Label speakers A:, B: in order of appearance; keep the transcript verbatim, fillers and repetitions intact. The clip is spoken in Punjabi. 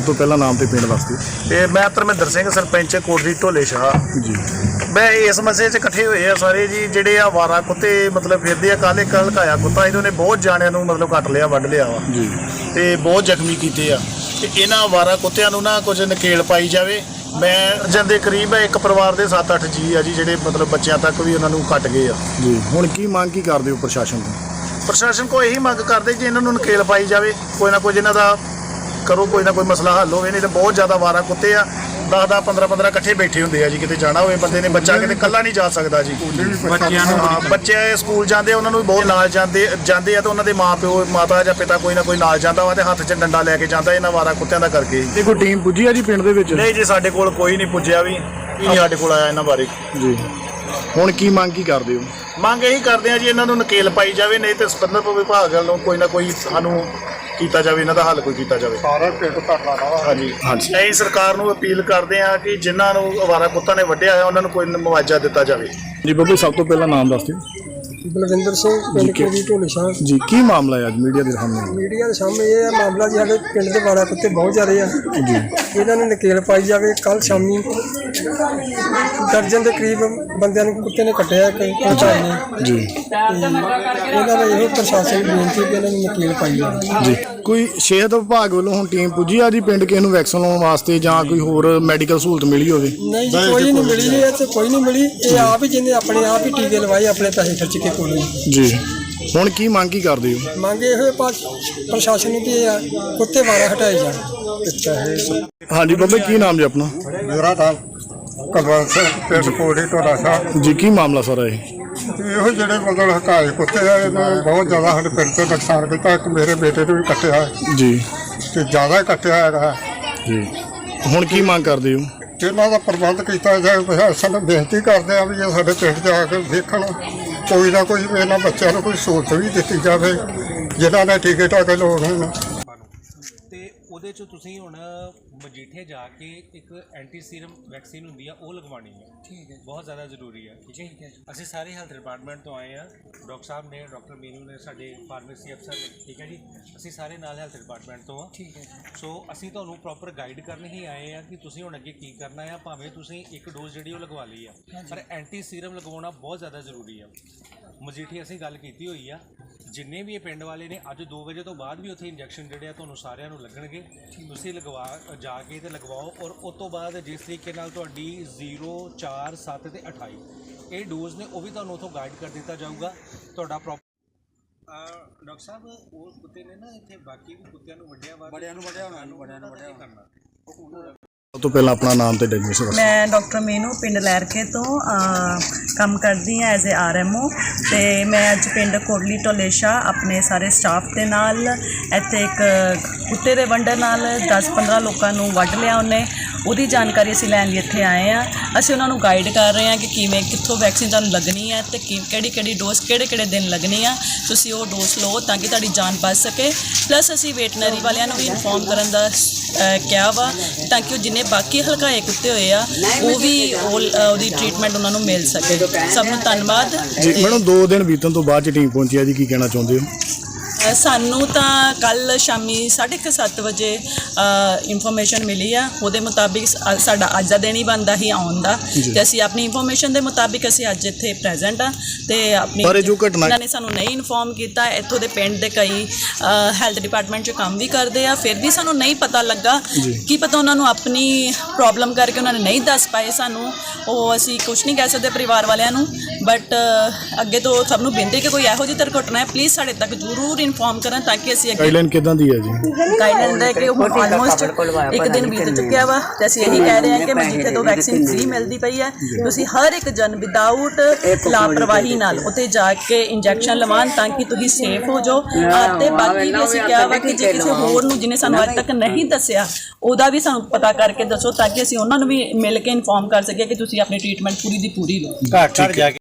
A: ਤੋਂ ਪਹਿਲਾਂ ਨਾਮ ਤੇ ਪਿੰਡ ਦੱਸ ਦਿਓ।
B: ਤੇ ਮੈਂ ਧਰਮਿੰਦਰ ਸਿੰਘ ਸਰਪੰਚ ਕੋਟਲੀ ਢੋਲੇ ਸ਼ਾਹ
A: ਜੀ।
B: ਮੈਂ ਇਸ ਮਸਲੇ 'ਚ ਇਕੱਠੇ ਹੋਏ ਆ ਸਾਰੇ ਜੀ, ਜਿਹੜੇ ਆ ਵਾਰਾ ਕੁੱਤੇ ਮਤਲਬ ਫਿਰਦੇ ਆ। ਕੱਲ੍ਹ ਇੱਕ ਹਲਕਾਇਆ ਕੁੱਤਾ ਇਹਨਾਂ ਨੇ ਬਹੁਤ ਜਾਣਿਆਂ ਨੂੰ ਮਤਲਬ ਕੱਟ ਲਿਆ, ਵੱਢ ਲਿਆ ਵਾ
A: ਜੀ,
B: ਤੇ ਬਹੁਤ ਜ਼ਖਮੀ ਕੀਤੇ ਆ। ਤੇ ਇਹਨਾਂ ਵਾਰਾ ਕੁੱਤਿਆਂ ਨੂੰ ਨਾ ਕੁਝ ਨਕੇਲ ਪਾਈ ਜਾਵੇ। ਮੈਂ ਜਾਂਦੇ ਕਰੀਬ ਇੱਕ ਪਰਿਵਾਰ ਦੇ ਸੱਤ ਅੱਠ ਜੀ ਆ ਜੀ, ਜਿਹੜੇ ਮਤਲਬ ਬੱਚਿਆਂ ਤੱਕ ਵੀ ਉਹਨਾਂ ਨੂੰ ਕੱਟ ਗਏ ਆ
A: ਜੀ। ਹੁਣ ਕੀ ਮੰਗ ਕੀ ਕਰਦੇ ਹੋ ਪ੍ਰਸ਼ਾਸਨ ਤੋਂ?
B: ਪ੍ਰਸ਼ਾਸਨ ਕੋਲ ਇਹੀ ਮੰਗ ਕਰਦੇ ਕਿ ਇਹਨਾਂ ਨੂੰ ਨਕੇਲ ਪਾਈ ਜਾਵੇ, ਕੋਈ ਨਾ ਕੁਝ ਇਹਨਾਂ ਦਾ ਕਰੋ, ਕੋਈ ਨਾ ਕੋਈ ਮਸਲਾ ਹੱਲ ਹੋਵੇ। ਨਹੀਂ ਤਾਂ ਬਹੁਤ ਜ਼ਿਆਦਾ ਵਾਰਾ ਕੁੱਤੇ ਆ, ਦਸ ਦਸ ਪੰਦਰਾਂ ਪੰਦਰਾਂ ਇਕੱਠੇ ਬੈਠੇ ਹੁੰਦੇ ਆ ਜੀ। ਕਿਤੇ ਜਾਣਾ ਹੋਵੇ ਬੰਦੇ ਨੇ, ਬੱਚਾ ਕਿਤੇ ਇਕੱਲਾ ਨਹੀਂ ਜਾ ਸਕਦਾ ਜੀ। ਬੱਚਿਆਂ ਨੂੰ ਬੱਚੇ ਸਕੂਲ ਜਾਂਦੇ, ਉਹਨਾਂ ਨੂੰ ਵੀ ਬਹੁਤ ਨਾਲ ਜਾਂਦੇ ਜਾਂਦੇ ਆ, ਤਾਂ ਉਹਨਾਂ ਦੇ ਮਾਂ ਪਿਓ ਮਾਤਾ ਜਾਂ ਪਿਤਾ ਕੋਈ ਨਾ ਕੋਈ ਨਾਲ ਜਾਂਦਾ ਵਾ, ਤੇ ਹੱਥ 'ਚ ਡੰਡਾ ਲੈ ਕੇ ਜਾਂਦਾ ਇਹਨਾਂ ਵਾਰਾ ਕੁੱਤਿਆਂ ਦਾ ਕਰਕੇ।
A: ਇਹ ਕੋਈ ਟੀਮ ਪੁੱਜੀ ਆ ਜੀ ਪਿੰਡ ਦੇ ਵਿੱਚ?
B: ਨਹੀਂ ਜੀ, ਸਾਡੇ ਕੋਲ ਕੋਈ ਨਹੀਂ ਪੁੱਜਿਆ ਵੀ, ਕੀ ਨਹੀਂ ਸਾਡੇ ਕੋਲ ਆਇਆ ਇਹਨਾਂ ਬਾਰੇ
A: ਜੀ। ਹੁਣ ਕੀ ਮੰਗ ਕੀ ਕਰਦੇ ਹੋ?
B: ਮੰਗ ਇਹੀ ਕਰਦੇ ਆ ਜੀ, ਇਹਨਾਂ ਨੂੰ ਨਕੇਲ ਪਾਈ ਜਾਵੇ, ਨਹੀਂ ਤੇ ਸੰਬੰਧਿਤ ਵਿਭਾਗ ਵੱਲੋਂ ਕੋਈ ਨਾ ਕੋਈ ਸਾਨੂੰ ਕੀਤਾ ਜਾਵੇ, ਇਹਨਾਂ ਦਾ ਹੱਲ ਕੋਈ ਕੀਤਾ ਜਾਵੇ।
C: ਸਾਰਾ ਪਿੰਡ ਧਰਨਾ ਲਾ
B: ਹਾਂਜੀ
A: ਹਾਂਜੀ।
B: ਅਸੀਂ ਸਰਕਾਰ ਨੂੰ ਅਪੀਲ ਕਰਦੇ ਆ ਕਿ ਜਿਨ੍ਹਾਂ ਨੂੰ ਅਵਾਰਾ ਕੁੱਤਾ ਨੇ ਵੱਢਿਆ ਹੋਇਆ ਉਹਨਾਂ ਨੂੰ ਕੋਈ ਮੁਆਵਜ਼ਾ ਦਿੱਤਾ ਜਾਵੇ।
A: ਜੀ ਬੱਬੂ, ਸਭ ਤੋਂ ਪਹਿਲਾਂ ਨਾਮ ਦੱਸ ਦਿਓ।
C: ਬਲਵਿੰਦਰ ਸਿੰਘ ਪਿੰਡ ਕੋਟਲੀ ਢੋਲੇ ਸ਼ਾਹ
A: ਜੀ। ਕੀ ਮਾਮਲਾ ਹੈ ਅੱਜ ਮੀਡੀਆ ਦੇ ਸਾਹਮਣੇ?
C: ਮੀਡੀਆ ਦੇ ਸਾਹਮਣੇ ਇਹ ਹੈ ਮਾਮਲਾ ਜੀ, ਸਾਡੇ ਪਿੰਡ ਦੇ ਵਾਰਾ ਕੁੱਤੇ ਬਹੁਤ ਜ਼ਿਆਦਾ ਆ ਜੀ, ਇਹਨਾਂ ਨੂੰ ਨਕੇਲ ਪਾਈ ਜਾਵੇ। ਕੱਲ ਸ਼ਾਮੀ ਦਰਜਨ ਦੇ ਕਰੀਬ ਬੰਦਿਆਂ ਨੂੰ ਕੁੱਤੇ ਨੇ ਕੱਟਿਆ ਇੱਕ ਪਹੁੰਚਾਈ ਨੇ
A: ਜੀ।
C: ਇਹਨਾਂ ਦਾ ਇਹੋ ਪ੍ਰਸ਼ਾਸਨ ਨੂੰ ਬੇਨਤੀ ਕਿ ਇਹਨਾਂ ਨੂੰ ਨਕੇਲ ਪਾਈ ਜਾਵੇ
A: ਜੀ। ਕੋਈ ਸਿਹਤ ਵਿਭਾਗ ਵੱਲੋਂ ਹੁਣ ਟੀਮ ਪੁੱਜੀ ਆ ਜੀ ਪਿੰਡ ਕਿਸੇ ਨੂੰ ਵੈਕਸੀਨ ਲਾਉਣ ਵਾਸਤੇ, ਜਾਂ ਕੋਈ ਹੋਰ ਮੈਡੀਕਲ ਸਹੂਲਤ ਮਿਲੀ ਹੋਵੇ?
C: ਨਹੀਂ ਜੀ, ਕੋਈ ਨਹੀਂ ਮਿਲੀ, ਇਹ ਤੇ ਕੋਈ ਨਹੀਂ ਮਿਲੀ। ਇਹ ਆਪ ਹੀ ਜਿਹਨੇ ਆਪਣੇ ਆਪ ਹੀ ਟੀਕੇ ਲਵਾਏ, ਆਪਣੇ ਪੈਸੇ ਖਰਚ ਕੇ ਕੋਲ
A: ਜੀ। ਹੁਣ ਕੀ ਮੰਗ ਕੀ ਕਰਦੇ ਹੋ?
C: ਮੰਗੇ ਇਹੋ ਪ੍ਰਸ਼ਾਸਨ ਨੂੰ ਕਿ ਇਹ ਕੁੱਤੇ ਵਾਰਾ ਹਟਾਏ ਜਾਣ।
A: ਹਾਂਜੀ ਬੱਬੇ, ਕੀ ਨਾਮ ਜੀ ਆਪਣਾ?
C: ਮੇਰਾ ਨਾਮ ਕੁਲਵੰਤ ਸਿੰਘ, ਪਿੰਡ ਕੋਟਲੀ ਢੋਲਾ ਸ਼ਾਹ
A: ਜੀ। ਕੀ ਮਾਮਲਾ ਸਾਰਾ ਇਹ?
C: ਇਹੋ ਜਿਹੜੇ ਮਤਲਬ ਹਕਾਏ ਕੁੱਤੇ ਆ, ਇਹਨਾਂ ਨੇ ਬਹੁਤ ਜ਼ਿਆਦਾ ਸਾਡੇ ਪਿੰਡ 'ਤੇ ਨੁਕਸਾਨ ਕੀਤਾ। ਇੱਕ ਮੇਰੇ ਬੇਟੇ ਨੂੰ ਵੀ ਕੱਟਿਆ
A: ਜੀ,
C: ਤੇ ਜ਼ਿਆਦਾ ਕੱਟਿਆ ਹੈਗਾ
A: ਜੀ। ਹੁਣ ਕੀ ਮੰਗ ਕਰਦੇ ਹੋ?
C: ਇਹਨਾਂ ਦਾ ਪ੍ਰਬੰਧ ਕੀਤਾ ਜਾਏ। ਪ੍ਰਸ਼ਾਸਨ ਨੂੰ ਬੇਨਤੀ ਕਰਦੇ ਆ ਵੀ ਇਹ ਸਾਡੇ ਪਿੰਡ 'ਚ ਆ ਕੇ ਦੇਖਣ, ਕੋਈ ਨਾ ਕੋਈ ਇਹਨਾਂ ਬੱਚਿਆਂ ਨੂੰ ਕੋਈ ਸਹੂਲਤ ਵੀ ਦਿੱਤੀ ਜਾਵੇ ਜਿਨ੍ਹਾਂ ਨੇ ਟੀਕੇ ਟਾਕੇ ਲਾਉਣੇ ਨੇ।
D: ਤੇ ਉਹਦੇ 'ਚ ਤੁਸੀਂ ਹੁਣ ਮਜੀਠੇ ਜਾ ਕੇ ਇੱਕ ਐਂਟੀ ਸੀਰਮ ਵੈਕਸੀਨ ਹੁੰਦੀ ਆ, ਉਹ ਲਗਵਾਉਣੀ ਹੈ। ਠੀਕ ਹੈ, ਬਹੁਤ ਜ਼ਿਆਦਾ ਜ਼ਰੂਰੀ ਹੈ। ਠੀਕ ਹੈ, ਅਸੀਂ ਸਾਰੇ ਹੈਲਥ ਡਿਪਾਰਟਮੈਂਟ ਤੋਂ ਆਏ ਆ। ਡਾਕਟਰ ਸਾਹਿਬ ਨੇ, ਡਾਕਟਰ ਮੀਨੂ ਨੇ, ਸਾਡੇ ਫਾਰਮੇਸੀ ਅਫਸਰ ਨੇ। ਠੀਕ ਹੈ ਜੀ, ਅਸੀਂ ਸਾਰੇ ਨਾਲ ਹੈਲਥ ਡਿਪਾਰਟਮੈਂਟ ਤੋਂ ਆ। ਠੀਕ ਹੈ, ਸੋ ਅਸੀਂ ਤੁਹਾਨੂੰ ਪ੍ਰੋਪਰ ਗਾਈਡ ਕਰਨ ਹੀ ਆਏ ਆ ਕਿ ਤੁਸੀਂ ਹੁਣ ਅੱਗੇ ਕੀ ਕਰਨਾ ਆ। ਭਾਵੇਂ ਤੁਸੀਂ ਇੱਕ ਡੋਜ਼ ਜਿਹੜੀ ਉਹ ਲਗਵਾ ਲਈ ਆ, ਪਰ ਐਂਟੀ ਸੀਰਮ ਲਗਵਾਉਣਾ ਬਹੁਤ ਜ਼ਿਆਦਾ ਜ਼ਰੂਰੀ ਆ। ਮਜੀਠੀ ਅਸੀਂ ਗੱਲ ਕੀਤੀ ਹੋਈ ਆ, ਜਿੰਨੇ ਵੀ ਇਹ ਪਿੰਡ ਵਾਲੇ ਨੇ, ਅੱਜ ਦੋ ਵਜੇ ਤੋਂ ਬਾਅਦ ਵੀ ਉੱਥੇ ਇੰਜੈਕਸ਼ਨ ਜਿਹੜੇ ਆ ਤੁਹਾਨੂੰ ਸਾਰਿਆਂ ਨੂੰ ਲੱਗਣਗੇ। ਤੁਸੀਂ ਲਗਵਾ ਜਾ ਕੇ ਤੇ ਲਗਵਾਓ। ਔਰ ਉਸ ਤੋਂ ਬਾਅਦ ਜਿਸ ਤਰੀਕੇ ਨਾਲ ਤੁਹਾਡੀ ਜ਼ੀਰੋ ਚਾਰ ਸੱਤ ਤੇ ਅਠਾਈ ਇਹ ਡੋਜ਼ ਨੇ, ਉਹ ਵੀ ਤੁਹਾਨੂੰ ਉੱਥੋਂ ਗਾਈਡ ਕਰ ਦਿੱਤਾ ਜਾਊਗਾ। ਤੁਹਾਡਾ ਪ੍ਰੋਪਰ ਡਾਕਟਰ ਸਾਹਿਬ, ਉਹ ਕੁੱਤੇ ਨੇ ਨਾ ਇੱਥੇ ਬਾਕੀ ਵੀ ਕੁੱਤਿਆਂ ਨੂੰ ਵੱਢਿਆ ਵਾ, ਬੜਿਆਂ ਨੂੰ ਵੱਢਿਆ ਹੋਣਾ, ਬੜਿਆਂ ਨੂੰ ਵੱਢਿਆ ਕਰਨਾ।
A: ਸਭ ਤੋਂ ਪਹਿਲਾਂ ਆਪਣਾ ਨਾਮ ਤੇ ਡੈਗਨੇਸ਼ਨ ਦੱਸੋ।
E: ਮੈਂ ਡਾਕਟਰ ਮੀਨੂ ਪਿੰਡ ਲਹਿਰਕੇ ਤੋਂ ਕੰਮ ਕਰਦੀ ਹਾਂ as a R M O. ਅਤੇ ਮੈਂ ਅੱਜ ਪਿੰਡ ਕੋਟਲੀ ਢੋਲੇ ਸ਼ਾਹ ਆਪਣੇ ਸਾਰੇ ਸਟਾਫ ਦੇ ਨਾਲ ਇੱਥੇ ਇੱਕ ਕੁੱਤੇ ਦੇ ਵੰਡਰ ਨਾਲ ਦਸ ਪੰਦਰਾਂ ਲੋਕਾਂ ਨੂੰ ਵੱਢ ਲਿਆ ਉਹਨੇ, ਉਹਦੀ ਜਾਣਕਾਰੀ ਅਸੀਂ ਲੈਣ ਲਈ ਇੱਥੇ ਆਏ ਹਾਂ। ਅਸੀਂ ਉਹਨਾਂ ਨੂੰ ਗਾਈਡ ਕਰ ਰਹੇ ਹਾਂ ਕਿ ਕਿਵੇਂ ਕਿੱਥੋਂ ਵੈਕਸੀਨ ਤੁਹਾਨੂੰ ਲੱਗਣੀ ਹੈ, ਅਤੇ ਕਿ ਕਿਹੜੀ ਕਿਹੜੀ ਡੋਜ਼ ਕਿਹੜੇ ਕਿਹੜੇ ਦਿਨ ਲੱਗਣੀ ਆ। ਤੁਸੀਂ ਉਹ ਡੋਜ਼ ਲਓ ਤਾਂ ਕਿ ਤੁਹਾਡੀ ਜਾਨ ਬਚ ਸਕੇ। ਪਲੱਸ ਅਸੀਂ ਵੈਟਨਰੀ ਵਾਲਿਆਂ ਨੂੰ ਵੀ ਇਨਫੋਰਮ ਕਰਨ ਦਾ ਕਿਹਾ ਵਾ, ਤਾਂ ਕਿ ਉਹ ਜਿੰਨੇ ਬਾਕੀ ਹਲਕਾਏ ਕੁੱਤੇ ਹੋਏ ਆ ਉਹ ਵੀ ਉਹਦੀ ਟ੍ਰੀਟਮੈਂਟ ਉਹਨਾਂ ਨੂੰ ਮਿਲ ਸਕੇ। ਸਭ ਨੂੰ ਧੰਨਵਾਦ
A: ਜੀ। ਮੈਡਮ, ਦੋ ਦਿਨ ਬੀਤਣ ਤੋਂ ਬਾਅਦ 'ਚ ਟੀਮ ਪਹੁੰਚੀ ਆ ਜੀ, ਕੀ ਕਹਿਣਾ ਚਾਹੁੰਦੇ ਹੋ?
E: ਸਾਨੂੰ ਤਾਂ ਕੱਲ੍ਹ ਸ਼ਾਮੀ ਸਾਢੇ ਕੁ ਸੱਤ ਵਜੇ ਇਨਫੋਰਮੇਸ਼ਨ ਮਿਲੀ ਆ। ਉਹਦੇ ਮੁਤਾਬਿਕ ਸਾਡਾ ਅੱਜ ਦਾ ਦਿਨ ਹੀ ਬਣਦਾ ਹੀ ਆਉਣ ਦਾ, ਅਤੇ ਅਸੀਂ ਆਪਣੀ ਇਨਫੋਰਮੇਸ਼ਨ ਦੇ ਮੁਤਾਬਿਕ ਅਸੀਂ ਅੱਜ ਇੱਥੇ ਪ੍ਰੈਜ਼ੈਂਟ ਆ। ਅਤੇ ਆਪਣੀ
A: ਜੋ ਘਟਨਾ
E: ਇਹਨਾਂ ਨੇ ਸਾਨੂੰ ਨਹੀਂ ਇਨਫੋਰਮ ਕੀਤਾ। ਇੱਥੋਂ ਦੇ ਪਿੰਡ ਦੇ ਕਈ ਹੈਲਥ ਡਿਪਾਰਟਮੈਂਟ 'ਚ ਕੰਮ ਵੀ ਕਰਦੇ ਆ, ਫਿਰ ਵੀ ਸਾਨੂੰ ਨਹੀਂ ਪਤਾ ਲੱਗਾ। ਕੀ ਪਤਾ ਉਹਨਾਂ ਨੂੰ ਆਪਣੀ ਪ੍ਰੋਬਲਮ ਕਰਕੇ ਉਹਨਾਂ ਨੇ ਨਹੀਂ ਦੱਸ ਪਾਏ ਸਾਨੂੰ, ਉਹ ਅਸੀਂ ਕੁਛ ਨਹੀਂ ਕਹਿ ਸਕਦੇ ਪਰਿਵਾਰ ਵਾਲਿਆਂ ਨੂੰ। ਬਟ ਅੱਗੇ ਤੋਂ ਸਭ ਨੂੰ ਬੇਨਤੀ ਕਿ ਕੋਈ ਇਹੋ ਜਿਹੀ ਦੁਰਘਟਨਾ ਹੈ, ਪਲੀਜ਼ ਸਾਡੇ ਤੱਕ ਜ਼ਰੂਰ ਇਨਫੋਰਮ ਕਰਨ ਤਾਂ ਕਿ ਅਸੀਂ
A: ਗਾਈਡਲਾਈਨ ਕਿੱਦਾਂ ਦੀ ਹੈ ਜੀ?
E: ਗਾਈਡਲਾਈਨ ਦਾ ਕਿ ਹੁਣ ਆਲਮੋਸਟ ਇੱਕ ਦਿਨ ਬੀਤ ਚੁੱਕਿਆ ਵਾ, ਅਤੇ ਅਸੀਂ ਇਹੀ ਕਹਿ ਰਹੇ ਹਾਂ ਕਿ ਮਜੀਠੇ ਤੋਂ ਵੈਕਸੀਨ ਫ੍ਰੀ ਮਿਲਦੀ ਪਈ ਹੈ। ਤੁਸੀਂ ਹਰ ਇੱਕ ਜਨ ਵਿਦਾਊਟ ਲਾਪਰਵਾਹੀ ਨਾਲ ਉੱਥੇ ਜਾ ਕੇ ਇੰਜੈਕਸ਼ਨ ਲਵਾਉਣ ਤਾਂ ਕਿ ਤੁਸੀਂ ਸੇਫ ਹੋ ਜਾਓ। ਅਤੇ ਬਾਕੀ ਵੀ ਅਸੀਂ ਕਿਹਾ ਵਾ ਕਿ ਜੇ ਕਿਸੇ ਹੋਰ ਨੂੰ ਜਿਹਨੇ ਸਾਨੂੰ ਅੱਜ ਤੱਕ ਨਹੀਂ ਦੱਸਿਆ, ਉਹਦਾ ਵੀ ਸਾਨੂੰ ਪਤਾ ਕਰਕੇ ਦੱਸੋ ਤਾਂ ਕਿ ਅਸੀਂ ਉਹਨਾਂ ਨੂੰ ਵੀ ਮਿਲ ਕੇ ਇਨਫੋਰਮ ਕਰ ਸਕੀਏ ਕਿ ਤੁਸੀਂ ਆਪਣੀ ਟ੍ਰੀਟਮੈਂਟ ਪੂਰੀ ਦੀ ਪੂਰੀ ਲਓ।